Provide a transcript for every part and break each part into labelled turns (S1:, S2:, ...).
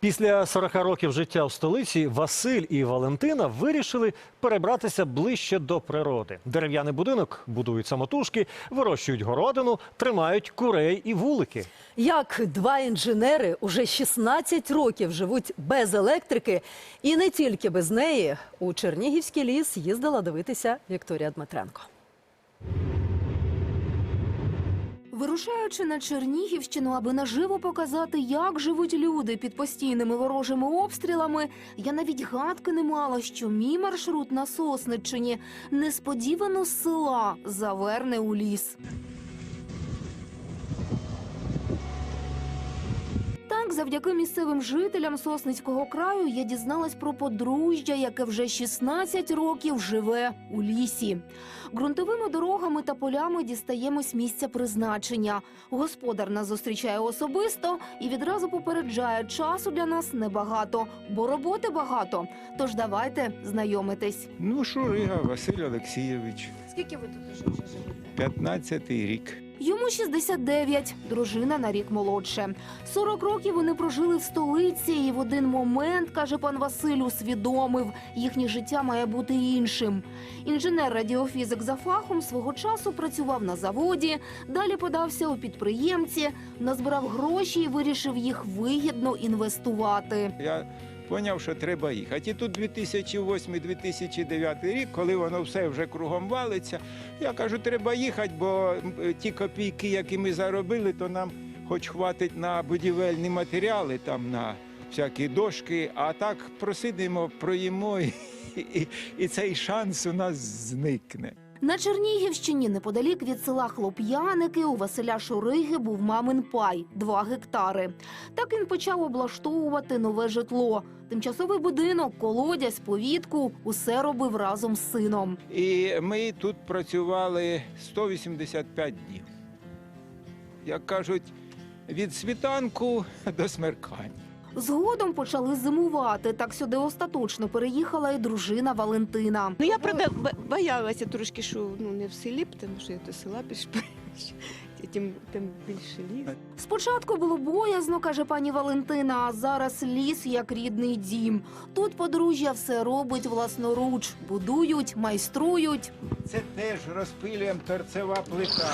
S1: Після 40 років життя в столиці Василь і Валентина вирішили перебратися ближче до природи. Дерев'яний будинок будують самотужки, вирощують городину, тримають курей і вулики.
S2: Як два інженери уже 16 років живуть без електрики і не тільки без неї, у Чернігівський ліс їздила дивитися Вікторія Дмитренко.
S3: Вирушаючи на Чернігівщину, аби наживо показати, як живуть люди під постійними ворожими обстрілами, я навіть гадки не мала, що мій маршрут на Сосниччині несподівано з села заверне у ліс. Так, завдяки місцевим жителям Сосницького краю я дізналась про подружжя, яке вже 16 років живе у лісі. Ґрунтовими дорогами та полями дістаємось місця призначення. Господар нас зустрічає особисто і відразу попереджає, часу для нас небагато, бо роботи багато. Тож давайте знайомитись.
S4: Шурига Василь Олексійович,
S3: Скільки ви тут вже живете?
S4: 15-й рік.
S3: Йому 69, дружина на рік молодше. 40 років вони прожили в столиці і в один момент, каже пан Василь, усвідомив, їхнє життя має бути іншим. Інженер-радіофізик за фахом свого часу працював на заводі, далі подався у підприємці, назбирав гроші і вирішив їх вигідно інвестувати.
S4: Я зрозумів, що треба їхати. І тут 2008-2009 рік, коли воно все вже кругом валиться, я кажу, треба їхати, бо ті копійки, які ми заробили, то нам хоч хватить на будівельні матеріали, там на всякі дошки, а так просидимо, проїмо, і цей шанс у нас зникне.
S3: На Чернігівщині, неподалік від села Хлоп'яники, у Василя Шуриги був мамин пай – 2 гектари. Так він почав облаштовувати нове житло. Тимчасовий будинок, колодязь, повітку – усе робив разом з сином.
S4: І ми тут працювали 185 днів. Як кажуть, від світанку до смеркання.
S3: Згодом почали зимувати. Так сюди остаточно переїхала і дружина Валентина.
S5: Я правда боялася трошки, що не в селі, тому що я до села пішла, тим більше ліс.
S3: Спочатку було боязно, каже пані Валентина, а зараз ліс як рідний дім. Тут подружжя все робить власноруч. Будують, майструють.
S4: Це теж розпилюємо торцева плита.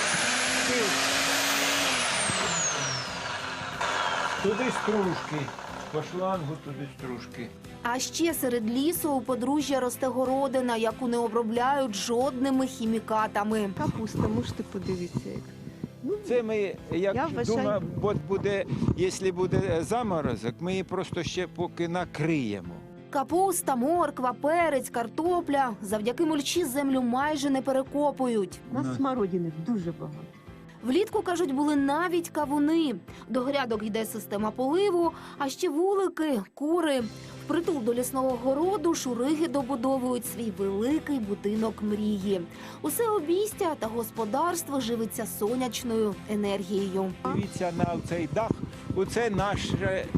S4: Туди стружки, по шлангу туди стружки.
S3: А ще серед лісу у подружжя росте городина, яку не обробляють жодними хімікатами.
S5: Капуста, можете подивитися.
S4: Це ми,
S5: Я
S4: як
S5: вважаю-
S4: думаю, от буде, якщо буде заморозок, ми її просто ще поки накриємо.
S3: Капуста, морква, перець, картопля. Завдяки мульчі землю майже не перекопують.
S5: У нас смородини дуже багато.
S3: Влітку, кажуть, були навіть кавуни. До грядок йде система поливу, а ще вулики, кури. Впритул до лісного городу Шуриги добудовують свій великий будинок мрії. Усе обійстя та господарство живиться сонячною енергією.
S4: Дивіться на цей дах, оце наші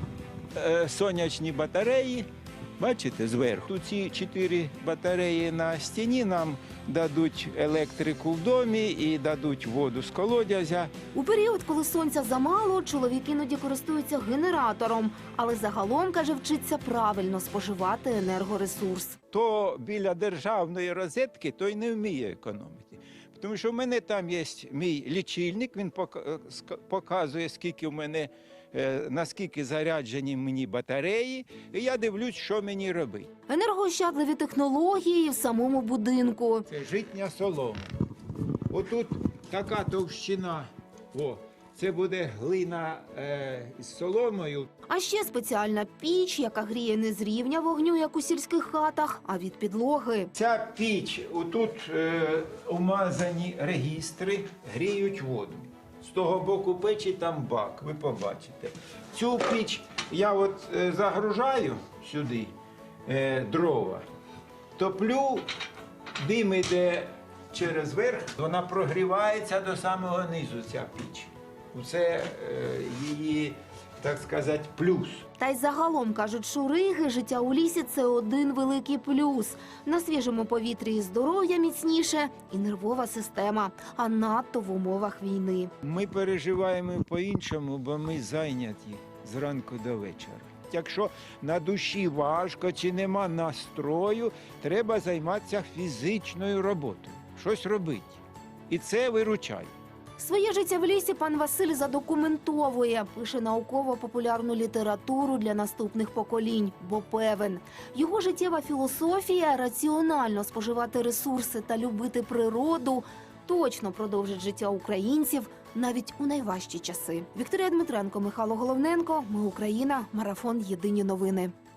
S4: сонячні батареї. Бачите, зверху. Ці 4 батареї на стіні нам дадуть електрику в домі і дадуть воду з колодязя.
S3: У період, коли сонця замало, чоловік іноді користується генератором. Але загалом, каже, вчиться правильно споживати енергоресурс.
S4: То біля державної розетки, той не вміє економити. Тому що в мене там є мій лічильник, він показує, скільки в мене, наскільки заряджені мені батареї, і я дивлюсь, що мені робити.
S3: Енергоощадливі технології в самому будинку.
S4: Це житня солома. Отут така товщина, це буде глина з соломою.
S3: А ще спеціальна піч, яка гріє не з рівня вогню, як у сільських хатах, а від підлоги.
S4: Ця піч, отут умазані регістри, гріють воду. З того боку печі там бак, ви побачите. Цю піч я загружаю сюди дрова, топлю, дим іде через верх, вона прогрівається до самого низу, ця піч. Це її, так сказати, плюс.
S3: Та й загалом, кажуть Шуриги, життя у лісі – це один великий плюс. На свіжому повітрі і здоров'я міцніше, і нервова система, а надто в умовах війни.
S4: Ми переживаємо по-іншому, бо ми зайняті зранку до вечора. якщо на душі важко чи нема настрою, треба займатися фізичною роботою, щось робити. І це виручає.
S3: Своє життя в лісі пан Василь задокументовує, пише науково-популярну літературу для наступних поколінь, бо певен, його життєва філософія раціонально споживати ресурси та любити природу точно продовжить життя українців навіть у найважчі часи. Вікторія Дмитренко, Михайло Головненко. Ми Україна. Марафон. Єдині новини.